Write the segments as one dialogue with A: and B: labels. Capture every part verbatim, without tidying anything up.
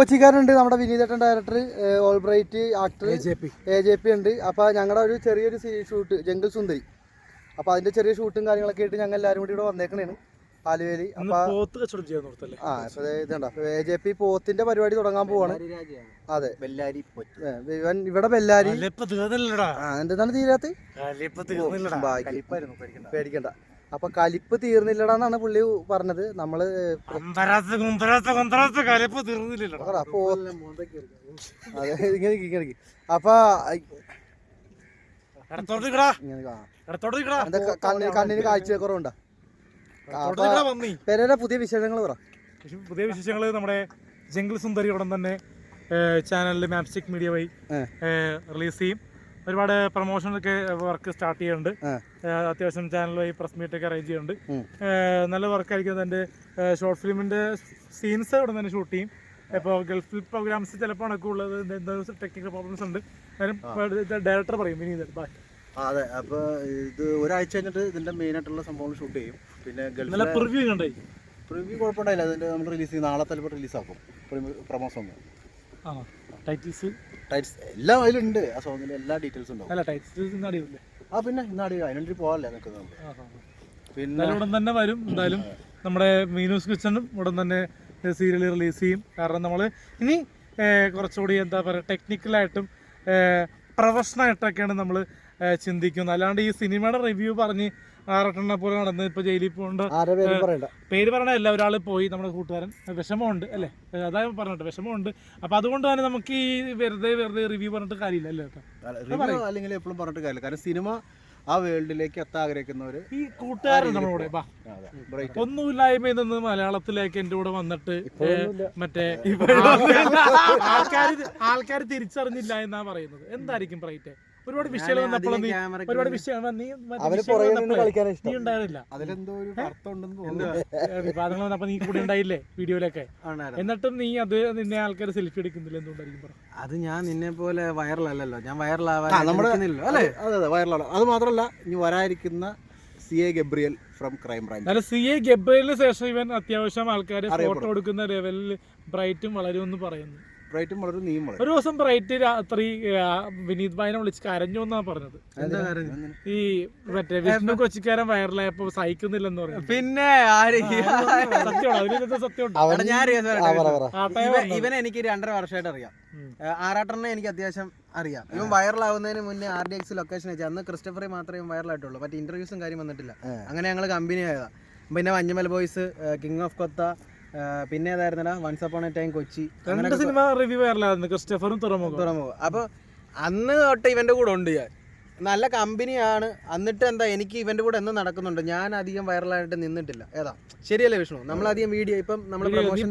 A: കൊച്ചിക്കാരുണ്ട് നമ്മുടെ വിനീതേട്ടൻ director, all bright actor A J P ഉണ്ട്. അപ്പോൾ ഞങ്ങളുടെ ഒരു ചെറിയൊരു ഷൂട്ട് ജംഗിൾ സുന്ദരി, അപ്പോൾ അതിൻ്റെ ചെറിയ ഷൂട്ടും കാര്യങ്ങളൊക്കെ ആയിട്ട് ഞങ്ങൾ എല്ലാവരും കൂടി ഇവിടെ വന്നേക്കണേണ് ആലുവേലി. അപ്പോൾ ആ ഇപ്പോൾ ഇതുണ്ട്, അപ്പോൾ എ ജെ പി പോത്തിന്റെ പരിപാടി തുടങ്ങാൻ പോവാണ്. അതെ, ഇവൻ ഇവിടെ ബെല്ലാരി എന്താണ് തീരാത്ത പേടിക്കണ്ട. അപ്പൊ കലിപ്പ് തീർന്നില്ലടാന്നാണ് പുള്ളി പറഞ്ഞത്. നമ്മള് അതെ ഇങ്ങനെ ഇങ്ങനെ അപ്പൊ കണ്ണിന് കാഴ്ച കുറവുണ്ടോ? പേരെ പുതിയ വിശേഷങ്ങൾ പറ.
B: പുതിയ വിശേഷങ്ങൾ നമ്മുടെ ജംഗിൾ സുന്ദരി ഉടൻ തന്നെ ചാനലിൽ മാപ്സ്റ്റിക് മീഡിയ വഴി റിലീസ് ചെയ്യും. ഒരുപാട് പ്രൊമോഷനൊക്കെ വർക്ക് സ്റ്റാർട്ട് ചെയ്യുന്നുണ്ട്. അത്യാവശ്യം ചാനൽ വഴി പ്രസ് മീറ്റ് ഒക്കെ അറേഞ്ച് ചെയ്യുന്നുണ്ട്. നല്ല വർക്കായിരിക്കും. എൻ്റെ ഷോർട്ട് ഫിലിമിൻ്റെ സീൻസ് ഉടൻ തന്നെ ഷൂട്ട് ചെയ്യും. ഇപ്പോൾ ഗൾഫിൽ പ്രോഗ്രാംസ് ചിലപ്പോൾ നടക്കുള്ളത് എന്താ ടെക്നിക്കൽ പ്രോബ്ലംസ് ഉണ്ട്. ഡയറക്ടർ പറയും വിനീത് ബാക്കി.
C: അതെ, അപ്പോൾ ഇത് ഒരാഴ്ച കഴിഞ്ഞിട്ട് ഇതിൻ്റെ മെയിനായിട്ടുള്ള സംഭവങ്ങൾ ഷൂട്ട് ചെയ്യും. പിന്നെ
B: നല്ല പ്രിവ്യൂ കണ്ടായി.
C: പ്രിവ്യൂ കുഴപ്പമുണ്ടായില്ല. അതിൻ്റെ നമ്മൾ റിലീസ് ചെയ്യും. നാളെ ചിലപ്പോൾ റിലീസാക്കും പ്രൊമോ സോങ്.
B: ആ ടൈറ്റിൽസ്
C: ടൈറ്റ്സ് എല്ലാം അതിലുണ്ട്. ആ സോങ്ങിൻ്റെ എല്ലാ ഡീറ്റെയിൽസും ഉണ്ടാവും.
B: അല്ല ടൈറ്റിൽസ് അടിയില്ലേ?
C: ആ പിന്നെ ഇന്ന് അടി അതിനൊരു പോകാല്ലേ നിൽക്കുന്നത്.
B: പിന്നെ ഉടൻ തന്നെ വരും. എന്തായാലും നമ്മുടെ മീനൂസ് കിച്ചണും ഉടൻ തന്നെ സീരിയൽ റിലീസ് ചെയ്യും. കാരണം നമ്മൾ ഇനി കുറച്ചുകൂടി എന്താ പറയുക ടെക്നിക്കലായിട്ടും പ്രൊഫഷണലായിട്ടൊക്കെയാണ് നമ്മൾ ചിന്തിക്കുന്നത്. അല്ലാണ്ട് ഈ സിനിമയുടെ റിവ്യൂ പറഞ്ഞ് ആറട്ടെണ്ണ പോലെ നടന്ന് ഇപ്പൊ ജയിലിൽ പോകേണ്ട പേര് പറയണല്ല. ഒരാൾ പോയി നമ്മുടെ കൂട്ടുകാരൻ, വിഷമമുണ്ട് അല്ലേ, അതായത് പറഞ്ഞിട്ട് വിഷമമുണ്ട്. അപ്പൊ അതുകൊണ്ട് തന്നെ നമുക്ക് ഈ വെറുതെ വെറുതെ റിവ്യൂ പറഞ്ഞിട്ട് കാര്യമില്ല അല്ലേ കേട്ടോ.
C: അല്ലെങ്കിൽ എപ്പോഴും പറഞ്ഞിട്ട് കാര്യമില്ല. കാരണം സിനിമ ആ വേൾഡിലേക്ക് എത്താൻ ആഗ്രഹിക്കുന്നവര്
B: ഈ കൂട്ടുകാരൻ നമ്മുടെ ഒന്നുമില്ലായ്മയിൽ നിന്ന് മലയാളത്തിലേക്ക് എന്റെ കൂടെ വന്നിട്ട് മറ്റേ ആൾക്കാർ ആൾക്കാർ തിരിച്ചറിഞ്ഞില്ല എന്നാ പറയുന്നത്. എന്തായിരിക്കും ബ്രൈറ്റ്? ഒരുപാട് വിഷയം വന്നപ്പോൾ നീ ഒരുപാട് വിഷയം നീ നീ ഉണ്ടായിരുന്നില്ല. വിവാദങ്ങൾ വന്നപ്പോ നീ കൂടെ ഉണ്ടായില്ലേ വീഡിയോയിലൊക്കെ. എന്നിട്ടും നീ അത് നിന്നെ ആൾക്കാർ സെൽഫി എടുക്കുന്നില്ല. എന്തുകൊണ്ടായിരിക്കും?
D: അത് ഞാൻ നിന്നെ പോലെ വൈറലല്ലല്ലോ. ഞാൻ വൈറലാവാൻ അല്ലേ?
C: അതെ അതെ വൈറലാണ്. അത് മാത്രമല്ല ഇനി വരാതിരിക്കുന്ന C A Gabriel from crime branch.
B: അല്ല, സി എ ഗബ്രിയലിന് ശേഷം ഇവൻ അത്യാവശ്യം ആൾക്കാർ ഫോട്ടോ എടുക്കുന്ന ലെവലിൽ ബ്രൈറ്റും വളരുമെന്ന് പറയുന്നു.
C: ബ്രൈറ്റും വളരെ നീയും വളരെ.
B: ഒരു ദിവസം ബ്രൈറ്റ് രാത്രി വിനീത് ഭായിനെ വിളിച്ച് കരഞ്ഞു എന്നാ പറഞ്ഞത്. ഈ മറ്റേ വിഷ്ണു കൊച്ചിക്കാരൻ വൈറലായപ്പോ സഹിക്കുന്നില്ലെന്ന് പറഞ്ഞു.
D: പിന്നെ
B: സത്യമാണ്, അതിനകത്ത് സത്യമുണ്ട്.
D: ഇവനെ എനിക്ക് രണ്ടര വർഷമായിട്ട് അറിയാം. ആറാട്ടെണ്ണ എനിക്ക് അത്യാവശ്യം അറിയാം. ഇവൻ വൈറലാവുന്നതിന് മുന്നേ ആർ ഡി എക്സ് ലൊക്കേഷൻ വെച്ചാൽ അന്ന് ക്രിസ്റ്റഫറെ മാത്രമേ വൈറലായിട്ടുള്ളൂ. മറ്റേ ഇന്റർവ്യൂസും കാര്യം വന്നിട്ടില്ല. അങ്ങനെ ഞങ്ങൾ കമ്പനി ആയതാ. പിന്നെ Manjummel boys, king of Kotha, പിന്നെ ഏതായിരുന്നടാ once upon a time Kochi,
B: രണ്ട് സിനിമ റിവ്യൂ വൈറലായിരുന്നു. ക്രിസ്റ്റഫറും തുറമുഖം
D: തുറമുഖം. അപ്പോൾ അന്ന് തൊട്ട് ഇവന്റെ കൂടെ ഉണ്ട് ഞാൻ. നല്ല കമ്പനിയാണ്. എന്നിട്ട് എന്താ എനിക്ക് ഇവന്റെ കൂടെ എന്ന് നടക്കുന്നുണ്ട്. ഞാൻ അധികം വൈറലായിട്ട് നിന്നിട്ടില്ല. ഏതാ ശരിയല്ലേ വിഷ്ണു? നമ്മളധികം വീഡിയോ ഇപ്പം നമ്മൾ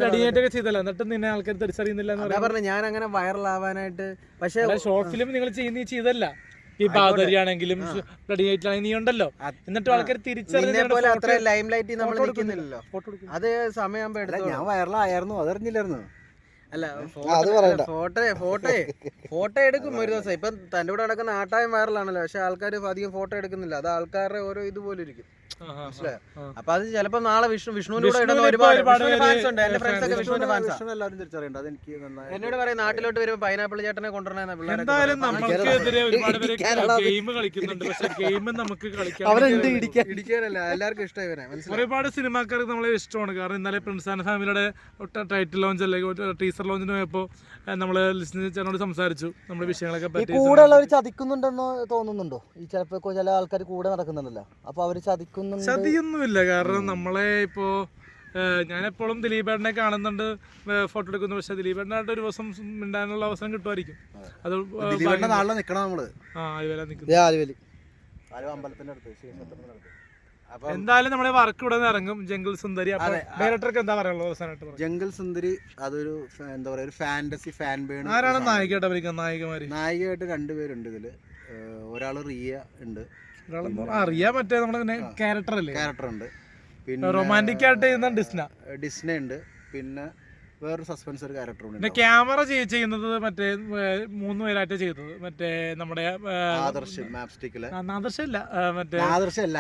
D: പറഞ്ഞു ഞാൻ അങ്ങനെ വൈറലാവാനായിട്ട്. പക്ഷേ
B: ഷോർട്ട് ഫിലിം നിങ്ങൾ ചെയ്യുന്ന ചെയ്തല്ല. ഈ ബാദരിയാണെങ്കിലും നീ ഉണ്ടല്ലോ. എന്നിട്ട് ആൾക്കാർ
D: തിരിച്ചറിഞ്ഞ അത്ര ലൈം ലൈറ്റ് നമ്മൾ നിൽക്കുന്നില്ലല്ലോ. അത് സമയം
C: ഞാൻ വൈറലായിരുന്നു, അതറിഞ്ഞില്ലായിരുന്നു.
D: അല്ല ഫോട്ടോ ഫോട്ടോ ഫോട്ടോ എടുക്കും ഒരു ദിവസം. ഇപ്പം തൻ്റെ കൂടെ നടക്കുന്ന ആട്ടായം വൈറലാണല്ലോ. പക്ഷെ ആൾക്കാർ അധികം ഫോട്ടോ എടുക്കുന്നില്ല. അത് ആൾക്കാരുടെ ഓരോ ഇതുപോലെ ഇരിക്കും. മനസ്സിലായോ? അപ്പൊ അത് ചിലപ്പോ നാളെ വിഷ്ണു വിഷ്ണുവിന്റെ കൂടെ ഇടുന്ന ഒരുപാട് ഫാൻസ് ഉണ്ട്. എന്റെ ഫ്രണ്ട്സ് ഒക്കെ വിഷ്ണുവിന്റെ ഫാൻസാ. എന്നോട് പറയും നാട്ടിലോട്ട് വരുമ്പോ പൈനാപ്പിൾ ചേട്ടനെ കൊണ്ടുവരണ പിള്ളേർ. ഇടിക്കാനല്ല, എല്ലാവർക്കും ഇഷ്ടം ഇവനെ.
B: ഒരുപാട് സിനിമാക്കാർക്ക് നമ്മളെ ഇഷ്ടമാണ്. കാരണം ഇന്നലെ പ്രിൻസ് ആൻഡ് ഫാമിലിയുടെ ടൈറ്റിൽ ലോഞ്ച് അല്ലെങ്കിൽ ടീസർ ലോഞ്ചിന് പോയപ്പോ നമ്മള് ലിസ്റ്റിനോട് സംസാരിച്ചു നമ്മുടെ വിഷയങ്ങളൊക്കെ പറ്റി.
A: കൂടെ ഉള്ളവർ ചതിക്കുന്നുണ്ടെന്ന് തോന്നുന്നുണ്ടോ? ഈ ചിലപ്പോ ചില ആൾക്കാർ കൂടെ നടക്കുന്നുണ്ടല്ലോ. അപ്പൊ അവര് ചതിക്കുന്നു?
B: ചതിയൊന്നുമില്ല. കാരണം നമ്മളെ ഇപ്പോ ഞാനെപ്പോഴും ദിലീപേട്ടനെ കാണുന്നുണ്ട്, ഫോട്ടോ എടുക്കുന്നു. പക്ഷെ ദിലീപേട്ടനായിട്ട് ഒരു ദിവസം മിണ്ടാനുള്ള അവസരം കിട്ടുമായിരിക്കും. അത്
C: നാളെ നിക്കണം നമ്മള്.
B: ആ ആലുവല നിൽക്കുന്നു. എന്തായാലും നമ്മുടെ വർക്ക് ഇവിടെ നിന്ന് ഇറങ്ങും. ജംഗിൾ സുന്ദരി. ഡയറക്ടർക്ക് എന്താ പറയാനുള്ളത് അവസാനമായിട്ട്?
C: ജംഗിൾ സുന്ദരി അതൊരു എന്താ പറയാ ഒരു ഫാന്റസി ഫാൻ ബേൺ.
B: ആരാണ് നായികയായിട്ട് അഭിനയിക്കുന്നത്? നായികമാര്
C: നായികയായിട്ട് രണ്ടുപേരുണ്ട് ഇതില്. ഒരാള് റിയ ഉണ്ട്.
B: അറിയാം, മറ്റേ നമ്മുടെ ക്യാരക്ടർ അല്ലേ?
C: ക്യാരക്ടർ ഉണ്ട്. പിന്നെ
B: റൊമാൻറ്റിക് ആയിട്ട് ചെയ്യുന്ന ഡിസ്ന
C: ഡിസ്ന ഉണ്ട്. പിന്നെ വേറൊരു സസ്പെൻസ് ഒരു ക്യാരക്ടർ ഉണ്ട്.
B: പിന്നെ ക്യാമറ ചെയ്യുന്നത് മറ്റേ മൂന്ന് പേരായിട്ട് ചെയ്തത് മറ്റേ നമ്മുടെ
C: ആദർശ് മാപ്സ്റ്റിക്കില്.
B: ആദർശ് അല്ല, മറ്റേ
C: ആദർശല്ല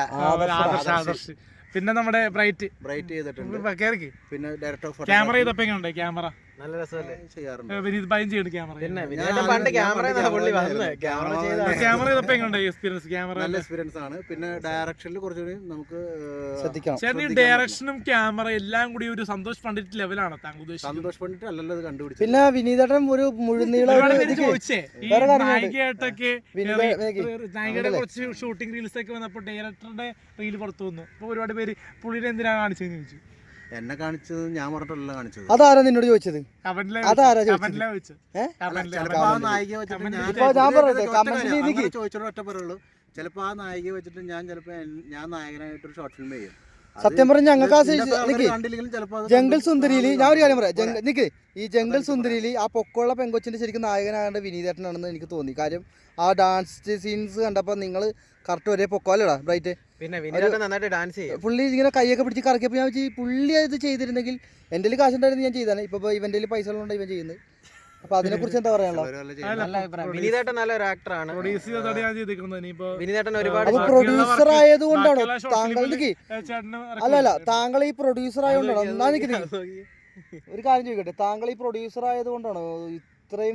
B: ആദർശ്. പിന്നെ നമ്മുടെ ബ്രൈറ്റ്
C: ബ്രൈറ്റ് ചെയ്തിട്ടുണ്ട്.
B: കേറിക്ക്.
C: പിന്നെ ഡയറക്ടർ ഓഫ്
B: ക്യാമറ ചെയ്തപ്പോ എങ്ങനെയുണ്ട്? ക്യാമറ
D: നല്ല രസമല്ലേ
C: ചെയ്യാറുണ്ട്.
B: വിനീത് ഭയം ചെയ്യുന്നുണ്ട് ക്യാമറ.
D: പിന്നെ വിനീതേട്ടൻ പണ്ട് ക്യാമറ പുള്ളി വന്നത് ക്യാമറ ചെയ്ത
B: ക്യാമറ ചെയ്തപ്പോ എങ്ങനെയുണ്ട് എക്സ്പീരിയൻസ്? ക്യാമറ
C: നല്ല എക്സ്പീരിയൻസ് ആണ്. പിന്നെ ഡയറക്ഷനിൽ കുറച്ചുകൂടി നമുക്ക്
A: ശ്രദ്ധിക്കണം.
B: ചേട്ടൻ ഈ ഡയറക്ഷനും ക്യാമറ എല്ലാം കൂടി ഒരു സന്തോഷ് പണ്ഡിറ്റ് ലെവലാണ് താങ്കൾ ഉദ്ദേശിച്ചത്?
C: സന്തോഷ് പണ്ടിട്ട് അല്ലല്ലോ ഇത് കണ്ടുപിടിച്ചത്.
A: പിന്നെ വിനീതേട്ടൻ ഒരു മുഴുനീള
B: ഒരുപാട്
A: ഒരു
B: പേര്
A: ഇത്
B: ചോദിച്ചേ ഈ
A: വേറെ കാര്യമുണ്ട്.
B: നായികയായിട്ടൊക്കെ
A: വിനീത
B: നായികയുടെ കുറച്ച് ഷൂട്ടിംഗ് റീൽസ് ഒക്കെ വന്നപ്പോൾ ഡയറക്ടറുടെ റീൽ പുറത്തു വന്നു. അപ്പൊ ഒരുപാട് പേര് പുള്ളിനെ എന്തിനാണ് കാണിച്ചതെന്ന് ചോദിച്ചു.
C: എന്നെ കാണിച്ചത് ഞാൻ പറഞ്ഞിട്ടല്ല കാണിച്ചത്.
A: അതാരാ നിന്നോട് ചോദിച്ചത്?
B: കമന്റിലെ
A: അതാരാ
B: കമന്റിലെ ചോദിച്ചു.
A: ഏഹ്
B: കമന്റിലെ
C: ചിലപ്പോ ആ നായിക വെച്ചിട്ട് ഞാൻ
A: ഇപ്പൊ ഞാൻ പറയട്ടെ,
C: ഒറ്റ
A: കമന്റിൽ
C: കാര്യം,
A: എനിക്ക്
C: അങ്ങനെ ചോദിച്ചോളൂ ഒറ്റ പറയുള്ളൂ. ചിലപ്പോ ആ നായിക വെച്ചിട്ട് ഞാൻ ചിലപ്പോ എൻ- ഞാൻ നായകനായിട്ടൊരു ഷോർട്ട് ഫിലിം ചെയ്യും. അത്
A: സത്യം പറഞ്ഞ ഞങ്ങൾക്ക് ആ
C: ഇതിന്റെ
A: സൈസ് നിക്ക്
C: കണ്ടില്ലെങ്കിലും ചിലപ്പോ അത്
A: ജംഗിൾ
C: കണ്ട്
A: സുന്ദരിയില്
C: അത്
A: ഞാൻ ഒരു കാര്യം പറയാം.
C: പോരാ.
A: ജംഗ- നിക്ക് ഈ ജംഗിൾ സുന്ദരിയില് ആ പൊക്കമുള്ള പെങ്കൊച്ചിന്റെ ശരിക്കും നായകനാകേണ്ട വിനീതേട്ടനാണെന്ന് എനിക്ക് തോന്നി. കാര്യം ആ ഡാൻസ് സീൻസ് കണ്ടപ്പോൾ നിങ്ങൾ കറക്റ്റ് ഒരേ പൊക്കമല്ലടാ ബ്രൈറ്റ്.
D: പിന്നെ വിനീതേട്ടൻ നന്നായിട്ട് ഡാൻസ് ചെയ്യും.
A: പുള്ളി ഇങ്ങനെ കൈയൊക്കെ പിടിച്ച് കറക്കിയപ്പോൾ ഞാൻ വെച്ചാൽ പുള്ളി അത് ചെയ്തിരുന്നെങ്കിൽ എൻ്റെ കയ്യിൽ കാശുണ്ടായിരുന്നു ഞാൻ ചെയ്താണ്. ഇപ്പോൾ ഇവൻ്റെ പൈസ ഉള്ളതുകൊണ്ട് ഇവൻ ചെയ്യുന്നത്. അപ്പോൾ അതിനെക്കുറിച്ച് എന്താ പറയാനുള്ളത്?
C: അവര് വല്ല ചെയ്യുന്നത്.
D: നല്ല അഭിപ്രായം. വിനീതേട്ടൻ നല്ലൊരു ആക്ടറാണ്.
B: പ്രൊഡ്യൂസ് ചെയ്തതാണ് ഞാൻ ചെയ്തിരിക്കുന്നത്. ഇനിയിപ്പോ
D: വിനീതേട്ടൻ ഒരുപാട്
A: അപ്പോൾ
B: ബാക്കിയുള്ള
A: പ്രൊഡ്യൂസർ
B: work-
A: ആയതുകൊണ്ടാണോ
B: ബാക്കിയുള്ള short
A: താങ്കൾ
B: film ല്
A: നിക്ക്
B: ചേട്ടന്
A: അല്ല അല്ല താങ്കൾ ഈ പ്രൊഡ്യൂസർ ആയതുകൊണ്ടാണോ? എന്നാ നിക്ക് നിക്ക്. ഒരു കാര്യം ചോദിക്കട്ടെ, താങ്കൾ ഈ പ്രൊഡ്യൂസർ ആയതുകൊണ്ടാണോ ഇത്രയും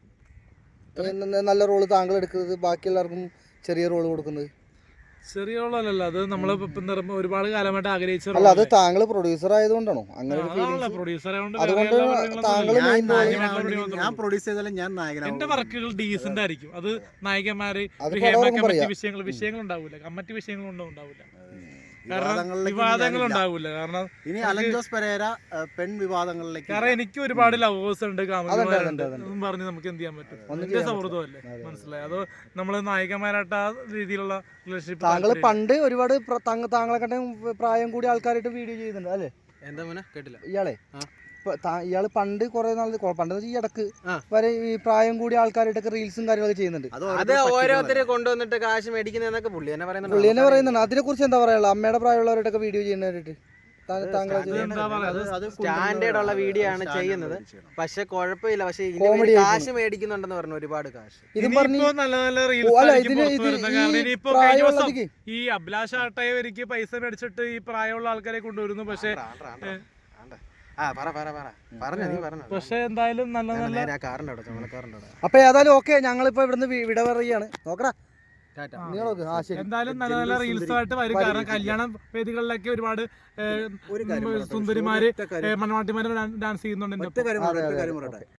A: ഏ, ന- നല്ല റോള് താങ്കൾ എടുക്കുന്നത്, ബാക്കി എല്ലാവർക്കും ചെറിയ റോള് കൊടുക്കുന്നത്?
B: ചെറിയ റോളല്ല അത് നമ്മള് ഇപ്പം എന്താ പറയുക, ഒരുപാട് കാലമായിട്ട് ആഗ്രഹിച്ച
A: അല്ല അത് താങ്കൾ പ്രൊഡ്യൂസർ ആയതുകൊണ്ടാണോ അങ്ങനെ ഒരു feelings?
B: പ്രൊഡ്യൂസർ
A: അതുകൊണ്ട് താങ്കൾ
C: ഞാൻ
A: main role-
C: നായകനാവണമെങ്കിൽ ഞാൻ പ്രൊഡ്യൂസ് ചെയ്താലും ഞാൻ
B: എന്റെ
C: നായകനാവും.
B: വർക്കുകൾ ഡീസന്റ് ആയിരിക്കും. അത് നായികന്മാര്
A: അത്
B: ഹേമ
A: പലർക്കും
B: കമ്മിറ്റി
A: പറയാം.
B: വിഷയങ്ങൾ വിഷയങ്ങൾ ഉണ്ടാവില്ല, കമ്മിറ്റി വിഷയങ്ങളൊന്നും ഉണ്ടാവില്ല. കാരണം
C: വിവാദങ്ങളിലേക്ക്
B: വിവാദങ്ങൾ
C: ഞാനില്ല.
B: ഉണ്ടാവില്ല. കാരണം
C: ഇനി അലൻ ജോസ് പെരേര ഏഹ്, പെൺ വിവാദങ്ങളിലേക്ക്
B: കാരണം എനിക്ക് ഒരുപാട് ലവേഴ്സ് ഉണ്ട്,
A: അതുണ്ട്,
B: കാമുകന്മാരുണ്ട്.
A: അതുണ്ട്.
B: എന്നും പറഞ്ഞ് നമുക്ക് എന്ത് ചെയ്യാൻ പറ്റും?
A: ഒന്നും
B: എന്റെ
A: ചെയ്യാൻ
B: സൗഹൃദമല്ലേ, മനസ്സിലായി? അതോ നമ്മള് നായികന്മാരായിട്ട് ആ രീതിയിലുള്ള റിലേഷൻഷിപ്പ്
A: താങ്കൾ പണ്ട് ഒരുപാട് പ്ര- താങ്ക- താങ്കളെ കണ്ട പ്രായം കൂടി ആൾക്കാരായിട്ട് വീഡിയോ ചെയ്യുന്നുണ്ട് അല്ലേ
D: എന്താ മോനെ കേട്ടില്ല.
A: ഇയാളെ?
D: ആ.
A: ഇപ്പൊ താ- ഇയാള് പണ്ട് കുറെ നാൾ പണ്ട് ഈ ഇടക്ക്
D: ആ.
A: വരെ ഈ പ്രായം കൂടി ആൾക്കാരായിട്ടൊക്കെ റീൽസും കാര്യങ്ങളൊക്കെ ചെയ്യുന്നുണ്ട്.
C: അത്
D: അത്
C: ഓരോരുത്തരെ
D: ഓരോരുത്തരെ കൊണ്ടുവന്നിട്ട് കാശ് മേടിക്കുന്നതെന്നൊക്കെ പുള്ളി തന്നെ
A: പുള്ളി തന്നെ
D: പറയുന്നുണ്ട്.
A: പറയുന്നുണ്ട്. അതിനെ കുറിച്ച് എന്താ പറയാനുള്ളത്? അമ്മയുടെ പ്രായമുള്ളവരായിട്ടൊക്കെ വീഡിയോ ചെയ്യുന്നവരായിട്ട് താങ്കൾ
B: അത് എന്താ പറയാ, അത്
C: അത്
D: സ്റ്റാൻഡേർഡ് ഉള്ള വീഡിയോ ആണ്
C: സ്റ്റാൻഡേർഡ്
D: ചെയ്യുന്നത്.
C: ഉള്ള ചെയ്യണം.
D: പക്ഷെ കുഴപ്പമില്ല. പക്ഷെ ഇതിന്
A: Comedy
D: വേണ്ടി
A: ആയിരിക്കും.
D: കാശ് മേടിക്കുന്നുണ്ടെന്ന് പറഞ്ഞു, ഒരുപാട് കാശ്.
A: ഇതും പറഞ്ഞ്
B: ഇനിയിപ്പോ നല്ല നല്ല
A: ഓ,
B: റീൽസ്
A: അല്ല
B: ആയിരിക്കും
A: ഇതിന്
B: പുറത്ത്
A: ഇത്
B: വരുന്നത്.
A: ഈ
B: കാരണം ഇനിയിപ്പോ കഴിഞ്ഞ ദിവസം
A: പ്രായമുള്ളതിക്ക്
B: ഈ അഭിലാഷ് ആട്ടയവർക്ക് പൈസ മേടിച്ചിട്ട് ഈ പ്രായമുള്ള ആൾക്കാരെ കൊണ്ടുവരുന്നു. പക്ഷെ
D: ആണ്ട്രാ, ആണ്ട്രാ, ആണ്ട്രാ. ആ പറ പറ പറ പറഞ്ഞ നീ പറഞ്ഞ
B: പക്ഷെ എന്തായാലും നല്ല നല്ല
D: നേരെ ആ കാറിന്റെ അവിടെ ചുമലക്കാറിന്റെ അവിടെ.
A: അപ്പൊ ഏതായാലും ഓക്കെ, ഞങ്ങളിപ്പോ ഇവിടുന്ന് വി- വിട പറയുകയാണ്. നോക്കടാ
D: ടാറ്റ.
A: നിങ്ങൾ നോക്ക്. ആ ശരി.
B: എന്തായാലും നല്ല നല്ല റീൽസ് ആയിട്ട് വരും. കാരണം കല്യാണ വേദികളിലൊക്കെ ഒരുപാട് ഏഹ്,
C: ഒരു കാര്യം പറയട്ടെ.
B: സുന്ദരിമാര്
C: ഒറ്റ കാര്യം-
B: മണ്ണവാട്ടിമാര് ഡാൻസ് ചെയ്യുന്നുണ്ട്.
C: ഒറ്റ കാര്യം പറയട്ടെ, ഒറ്റ കാര്യം പറയട്ടെ.